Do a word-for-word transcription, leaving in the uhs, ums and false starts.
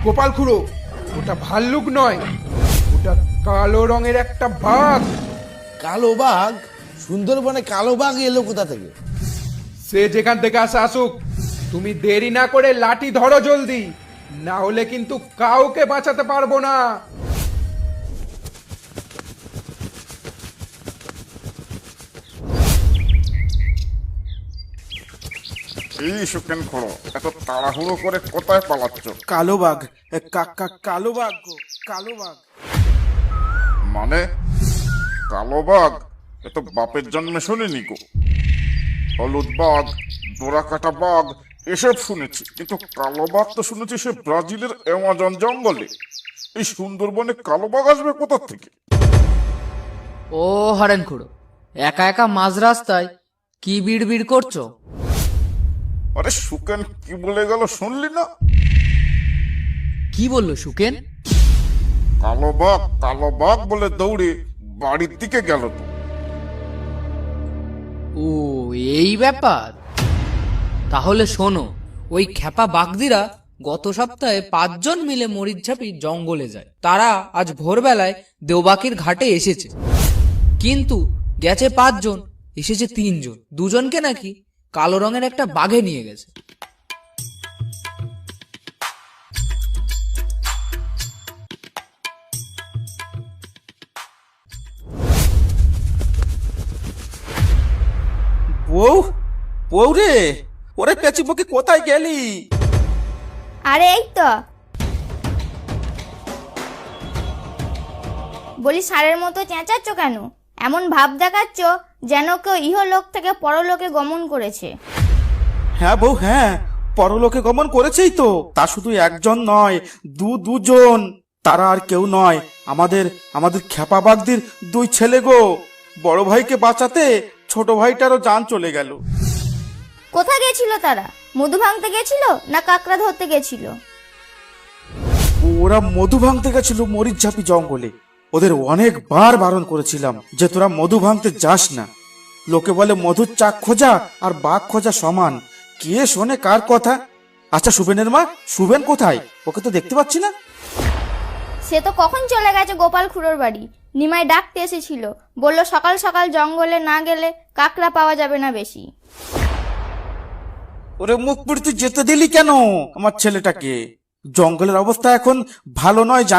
গোপাল খুড়ো, ওটা ভাল্লুক নয়, ওটা কালো রঙের একটা বাঘ। কালো বাঘ? সুন্দরবনে কালো বাঘ এলো কোথা থেকে? সে যেখান থেকে আসে আসুক, তুমি দেরি না করে লাঠি ধরো জলদি, না হলে কিন্তু কাউকে বাঁচাতে পারবো না। এই সুকেন খোড়ো, এত তাড়াহুড়ো করে কোথায় পালাচ্ছ? কালো বাঘ, কাকা কালো বাঘ গো, কালো বাঘ। মানে কালো বাঘ? এ তো বাপের জন্মে শুনিনি গো। হলুদ বাঘ, ডোরা কাটা বাঘ এসব শুনেছি, কিন্তু কালো বাঘ তো শুনেছি সে ব্রাজিলের অ্যামাজন জঙ্গলে। এই সুন্দরবনে কালো বাঘ আসবে কোথা থেকে? ও হরেন খুড়ো, একা একা মাঝ রাস্তায় কি বিড় বিড় করছো? আরে সুকেন কি বলে গেল শুনলি না? কি বললো সুকেন? কালো বাঘ কালো বাঘ বলে দৌড়ে বাড়ির দিকে গেল তো। ও এই ব্যাপার। তাহলে শোনো, ওই খেপা বাগদিরা গত সপ্তাহে পাঁচজন মিলে মরিচঝাপি জঙ্গলে যায়। তারা আজ ভোরবেলায় দেওবাকির ঘাটে এসেছে, কিন্তু গেছে পাঁচজন, এসেছে তিনজন। দুজনকে নাকি কালো রঙের একটা বাঘে নিয়ে গেছে। বউ, বউ রে, ওরে পেঁচি বকে কোথায় গেলি? আরে এই তো, বলি ষাঁড়ের মতো চেঁচাচ্ছ কেন? এমন ভাব দেখাচ্ছ যেন কেউ ইহলোক থেকে পরলোকে গমন করেছে। হ্যাঁ বউ, হ্যাঁ, পরলোকে গমন করেছেই তো। তা শুধু একজন নয়, দু দুজন। তারা আর কেউ নয়, আমাদের আমাদের খেপা বাগদির দুই ছেলে গো। বড় ভাইকে বাঁচাতে ছোট ভাইটারও জান চলে গেল। কোথায় গেছিল তারা? মধু ভাঙতে গেছিল না কাকড়া ধরতে গেছিল? ওরা মধু ভাঙতে গেছিল মরিচঝাপি জঙ্গলে। ওদের অনেকবার বারণ করেছিলাম যে তোরা মধু ভাঙতে যাস না। লোকে বলে মধুর চাক খোঁজা আর বাঘ খোঁজা সমান। কে শোনে কার কথা? আচ্ছা সুবেনের মা, সুবেন কোথায়? ওকে তো দেখতে পাচ্ছি না। সে তো কখন চলে গেছে গোপাল খুড়োর বাড়ি। নিমাই ডাকতে এসেছিল, বলল সকাল সকাল জঙ্গলে না গেলে কাকড়া পাওয়া যাবে না বেশি। ওরে মুখ পুড়ে তুই যেতে দিলি কেন আমার ছেলেটাকে? জঙ্গলের অবস্থা এখন ভালো নয়।